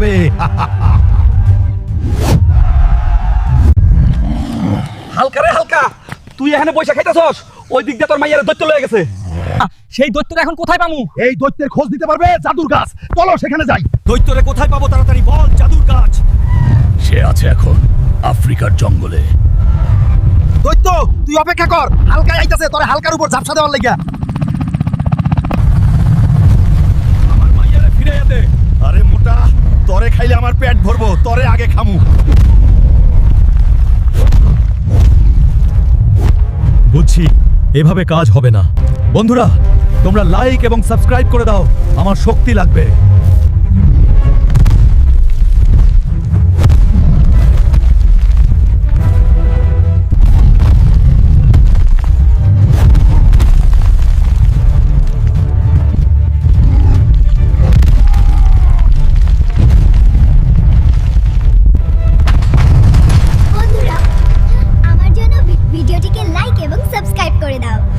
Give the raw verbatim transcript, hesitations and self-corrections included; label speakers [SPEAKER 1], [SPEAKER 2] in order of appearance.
[SPEAKER 1] হবে।
[SPEAKER 2] হালকা রে হালকা, তুই এখানে পয়সা খাইতেছস, ওই দিক দিয়ে তোর মাইয়ারে দৈত্য লয়ে গেছে।
[SPEAKER 3] সেই দৈত্যটা এখন কোথায় পামু?
[SPEAKER 1] এই দৈত্যের খোঁজ দিতে পারবে জাদুর গাছ, চলো সেখানে যাই।
[SPEAKER 2] দৈত্যরে কোথায় পাবো তাড়াতাড়ি বল, জাদুর গাছ।
[SPEAKER 1] সে আছে এখন আফ্রিকার জঙ্গলে।
[SPEAKER 2] দৈত্য তুই অপেক্ষা কর, হালকা আইতাছে, তোরে হালকার উপর ঝাপসা দেওয়ার লাগিয়া।
[SPEAKER 1] আমার মাইয়ারে ফিরে যেতে। আরে মোটা, তরে খাইলে আমার পেট ভরবো, তরে আগে খামু। বুঝছি, এভাবে কাজ হবে না। বন্ধুরা, তোমরা লাইক এবং সাবস্ক্রাইব করে দাও, আমার শক্তি লাগবে।
[SPEAKER 4] বন্ধুরা, আমার জন্য ভিডিওটিকে লাইক এবং সাবস্ক্রাইব করে দাও।